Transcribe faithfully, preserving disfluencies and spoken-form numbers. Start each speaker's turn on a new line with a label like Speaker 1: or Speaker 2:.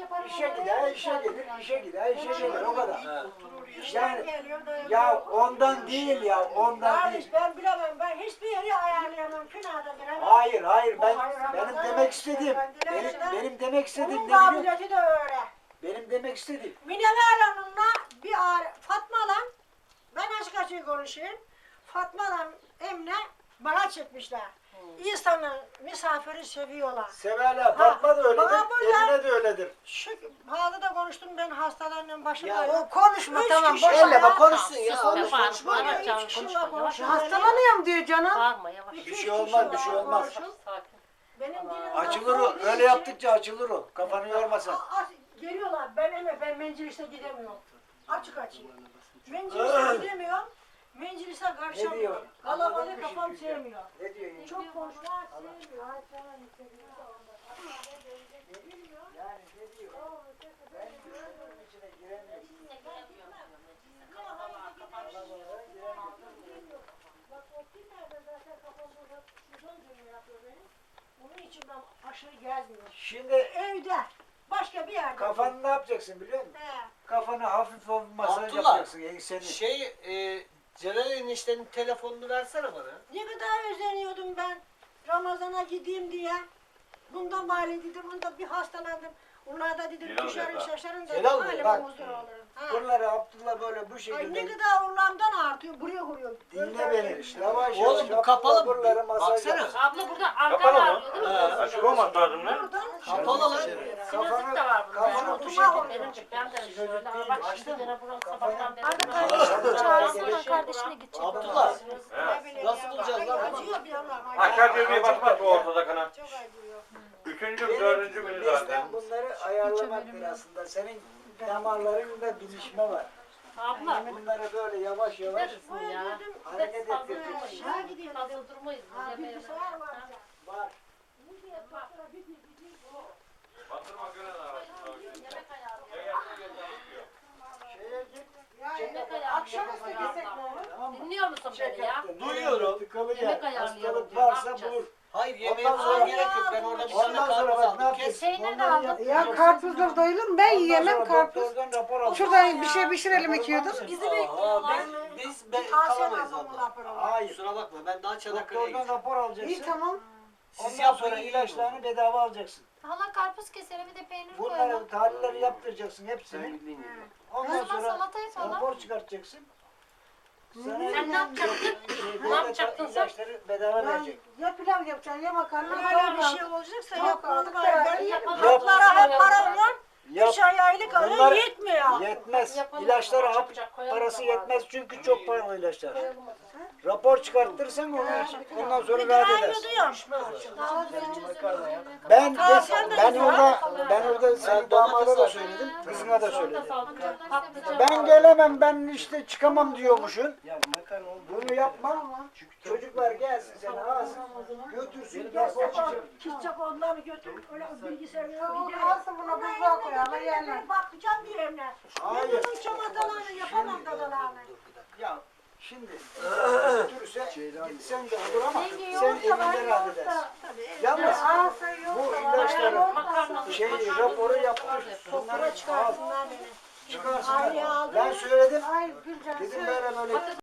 Speaker 1: yaparım.
Speaker 2: İşe gider, işe gelir, işe gider, işe gelir o kadar. Yani
Speaker 3: Geliyor da
Speaker 2: ya ondan değil ya, ondan
Speaker 3: Kardeş
Speaker 2: değil.
Speaker 3: ben bilemem. Ben hiçbir yeri ayarlayamam. Künada giremem.
Speaker 2: Hayır, hayır ben
Speaker 3: Hayır,
Speaker 2: benim
Speaker 3: Ramazan
Speaker 2: demek
Speaker 3: yok.
Speaker 2: istediğim,
Speaker 3: Ben
Speaker 2: benim,
Speaker 3: dilerim.
Speaker 2: benim demek istediğim
Speaker 3: Onun
Speaker 2: ne biliyor musun?
Speaker 3: kabiliyeti de öyle.
Speaker 2: Benim demek istediğim.
Speaker 3: Minever Hanım'la bir ar- Fatma'la ben açık açık konuşayım. Fatma'la Emine bana çekmişler. İnsanın misafiri seviyorlar.
Speaker 2: Severler, Fatma da öyledir,
Speaker 3: bana burada-
Speaker 2: Emine de öyledir.
Speaker 3: Şu pahalı da konuştum ben hastalarla başım
Speaker 4: Ya
Speaker 3: ağrıyor.
Speaker 4: o konuşma
Speaker 3: Üç
Speaker 4: tamam.
Speaker 3: kişi
Speaker 4: Boş
Speaker 3: ya.
Speaker 4: elle bak konuşsun ya.
Speaker 5: Sus,
Speaker 4: Konuş,
Speaker 5: bağırma,
Speaker 4: konuşma.
Speaker 5: bağırma,
Speaker 3: Bana
Speaker 5: canım,
Speaker 3: üç kişi
Speaker 5: konuşma,
Speaker 3: var,
Speaker 5: yavaş.
Speaker 3: konuşuyor.
Speaker 4: Hastalanıyorum diyor canım.
Speaker 5: Bağırma yavaş.
Speaker 3: İki,
Speaker 2: Bir
Speaker 3: üç
Speaker 2: şey
Speaker 3: kişi
Speaker 2: olmaz,
Speaker 3: var,
Speaker 2: bir şey olmaz.
Speaker 3: konuşuyor.
Speaker 5: Sakin.
Speaker 3: Benim dilim
Speaker 2: Açılır o,
Speaker 3: olduğu
Speaker 2: öyle
Speaker 3: için-
Speaker 2: yaptıkça açılır o. Kafanı yormasan.
Speaker 3: A- a- Geliyorlar. Ben eme ben Mencilis'e gidemiyorum. Açık açık. Mencilis'e gidemiyorum. Mencilis'e
Speaker 2: Ne diyor?
Speaker 3: karşılamıyorum.
Speaker 2: Anladın
Speaker 3: Kalabalık
Speaker 2: mı
Speaker 3: kafam
Speaker 2: şimdi?
Speaker 3: sevmiyor.
Speaker 2: Ne diyor ya?
Speaker 3: Çok konuşma sevmiyor.
Speaker 2: Yani ne diyor? Ben düşünün içine giremiyorum.
Speaker 3: Bak o kimlerden zaten kafamda şuradan dönüyor yapıyor benim. Onun için ben aşırı gezmiyorum.
Speaker 2: Şimdi
Speaker 3: Evde. Başka bir yerde.
Speaker 2: kafanı ne yapacaksın biliyor musun?
Speaker 3: He.
Speaker 2: Kafanı hafif hafif masaj
Speaker 4: Abdullah,
Speaker 2: yapacaksın. Yani seni.
Speaker 4: Şey, e, Celal eniştenin telefonunu versene bana.
Speaker 3: Ne kadar özeniyordum ben Ramazan'a gideyim diye. Bundan bari dedim, bunda bir hastalandım. Onlar da dedim
Speaker 6: Celal
Speaker 3: düşerim
Speaker 6: Bey,
Speaker 3: şaşarım
Speaker 4: Celal
Speaker 3: dedim.
Speaker 4: Bey,
Speaker 3: Halime
Speaker 2: bak.
Speaker 3: huzur olurum. Ha.
Speaker 2: Buraları Abdullah böyle bu
Speaker 3: Ay
Speaker 2: şekilde
Speaker 3: ne kadar urlamdan artıyor, buraya vuruyor.
Speaker 2: dinle beni. Yavaş
Speaker 4: Oğlum,
Speaker 2: yavaş
Speaker 4: bu kapalı mı?
Speaker 2: buraları masaj
Speaker 4: Baksana.
Speaker 2: yap.
Speaker 5: Abla burada Ankara
Speaker 6: Kapalı mı?
Speaker 5: arıyor değil mi?
Speaker 4: Ha,
Speaker 6: Açık olmak lazım lan.
Speaker 3: Buradan
Speaker 4: Kapalı lan.
Speaker 5: Sinüzit de var bunda.
Speaker 2: Kafanı bu
Speaker 3: Oturma
Speaker 2: şekilde.
Speaker 5: Benim ben de
Speaker 2: Sinüzit
Speaker 5: şöyle.
Speaker 2: değil,
Speaker 5: Bak
Speaker 2: açtın
Speaker 5: şimdi
Speaker 2: mı?
Speaker 5: gene buram
Speaker 2: Kafayı-
Speaker 5: sabahtan beri.
Speaker 3: Hadi
Speaker 5: buram-
Speaker 3: kardeşim,
Speaker 5: Çağırsana
Speaker 2: Gelecek.
Speaker 5: kardeşine gidecek.
Speaker 4: Abdullah.
Speaker 3: ne bileyim
Speaker 4: Nasıl
Speaker 3: ya.
Speaker 4: bulacağız
Speaker 3: Ay,
Speaker 4: lan bunu?
Speaker 3: Acıyor bir yandan. ay,
Speaker 6: Aşağı düğmeye basmak bu ortada kana.
Speaker 3: Çok acıyor.
Speaker 6: Üçüncü,
Speaker 2: Benim
Speaker 6: dördüncü günü zaten.
Speaker 2: bizden bunları ayarlamaktır aslında. Senin damarlarında bilişme var.
Speaker 5: Abla.
Speaker 2: Bunları böyle yavaş yavaş
Speaker 5: Neredesin ya?
Speaker 2: hareket
Speaker 5: Fazla
Speaker 2: ettireceksin.
Speaker 5: durmayız.
Speaker 3: Aşağı gidiyor.
Speaker 5: Fazla durmayız.
Speaker 3: Ha,
Speaker 5: Yemeğe-
Speaker 3: bilgisayar var.
Speaker 2: var.
Speaker 6: Bastırma gören
Speaker 5: Yemek ayarlıyor.
Speaker 2: Şeye git.
Speaker 5: Yemek ayarlıyor.
Speaker 3: Akşamüstü gitsek ne olur?
Speaker 2: Tamam mı?
Speaker 5: Dinliyor musun
Speaker 2: Çek
Speaker 5: beni ya?
Speaker 2: yaptı.
Speaker 4: Duyuyorum.
Speaker 2: Tıkalı
Speaker 5: Yemek
Speaker 2: gel.
Speaker 5: ayarlayalım
Speaker 2: Hastalık
Speaker 5: diyor, ne
Speaker 2: varsa
Speaker 5: yapacağız?
Speaker 2: bulur.
Speaker 4: Hayır yemeğe
Speaker 2: Ondan
Speaker 4: falan
Speaker 2: sonra-
Speaker 4: gerek yok. Ben orada bir tane
Speaker 2: Ondan sonra
Speaker 4: karpuz
Speaker 2: bak ne
Speaker 4: aldım.
Speaker 2: yapıyorsun?
Speaker 4: Kes.
Speaker 5: Peynir de
Speaker 2: Onları
Speaker 5: aldım.
Speaker 2: yap-
Speaker 7: Ya karpuzları doyulur ben
Speaker 2: Ondan
Speaker 7: yiyemem
Speaker 2: sonra
Speaker 7: karpuz.
Speaker 2: doktordan rapor al.
Speaker 7: Şuradan bir şey pişirelim ikiyordum.
Speaker 5: Bizi
Speaker 4: Aa,
Speaker 5: bekliyorlar.
Speaker 4: biz, biz ben
Speaker 3: Tansiyon
Speaker 4: kalamayız
Speaker 3: hapımı
Speaker 4: abla.
Speaker 3: rapor alın.
Speaker 2: Hayır.
Speaker 4: Kusura bakma ben daha Çanakkale'ye
Speaker 2: Doktordan
Speaker 4: gideceğim.
Speaker 2: rapor alacaksın.
Speaker 7: İyi tamam.
Speaker 4: Siz
Speaker 2: Ondan
Speaker 4: yapın
Speaker 2: sonra
Speaker 4: iyi
Speaker 2: ilaçlarını bedava alacaksın.
Speaker 1: Hala karpuz keselim bir de peynir
Speaker 2: Bunları
Speaker 1: koyalım.
Speaker 2: tahlilleri yaptıracaksın hepsini. Ondan
Speaker 1: O zaman
Speaker 2: sonra
Speaker 1: salata yapalım.
Speaker 2: rapor çıkartacaksın. Sana
Speaker 5: Sen ne yapacaksın?
Speaker 2: şey,
Speaker 5: Ne yapacaksın sen?
Speaker 2: ilaçları bedava
Speaker 7: Ya,
Speaker 2: verecek.
Speaker 7: ya pilav yapacaksın ya makarna
Speaker 3: Öyle bir
Speaker 7: koyma.
Speaker 3: şey olacaksa
Speaker 7: Yok,
Speaker 3: yapmalı
Speaker 7: yok,
Speaker 3: bari. Ben
Speaker 5: yapalım.
Speaker 3: haplara hep para var.
Speaker 2: Yap.
Speaker 3: Üç ay aylık alıyor
Speaker 2: Bunlar
Speaker 3: yetmiyor.
Speaker 2: yetmez.
Speaker 5: Yapalım.
Speaker 2: İlaçlara hap
Speaker 5: Çabucak koyalım
Speaker 2: parası
Speaker 5: zamanı.
Speaker 2: yetmez çünkü çok pahalı ilaçlar.
Speaker 5: Koyalım o zaman.
Speaker 2: Rapor çıkartırsan onun için ondan sonra
Speaker 3: Bir
Speaker 2: rahat
Speaker 3: ay
Speaker 2: edersin.
Speaker 3: ödüyorum.
Speaker 1: Daha güzel çözülür.
Speaker 2: Ben
Speaker 3: Tavsiyen de
Speaker 2: ben
Speaker 3: güzel.
Speaker 2: orada ben orada senin damada da
Speaker 4: domates
Speaker 2: söyledim, kızına da söyledim.
Speaker 5: Salata, patlıcan.
Speaker 2: Ben gelemem, ben işte çıkamam diyormuşsun. Bunu yapma. Çocuklar gelsin seni alsın, götürsün, gelsin.
Speaker 3: Kitap onları götür. Öyle bilgisayarı
Speaker 7: Tamam,
Speaker 3: gidelim.
Speaker 7: alsın buna buzluğa koyalım yerler.
Speaker 3: Ben bakacağım diyor Emre. Ben
Speaker 2: Hayır.
Speaker 3: bunun çamadalarını yapamam dadalarını.
Speaker 2: Ya şimdi götürürse gitsen de olur ama sen evinde rahat edersin. Yalnız
Speaker 7: Alsa yok
Speaker 2: bu
Speaker 7: da
Speaker 2: ilaçları
Speaker 5: Makarna.
Speaker 2: şey raporu yaptır.
Speaker 3: Sofra
Speaker 2: Bunları al,
Speaker 3: çıkarsınlar beni.
Speaker 2: çıkarsınlar.
Speaker 3: Aileye aldım.
Speaker 2: Ben söyledim.
Speaker 7: Ay Gülcan
Speaker 2: Dedim
Speaker 7: söyle.
Speaker 2: böyle böyle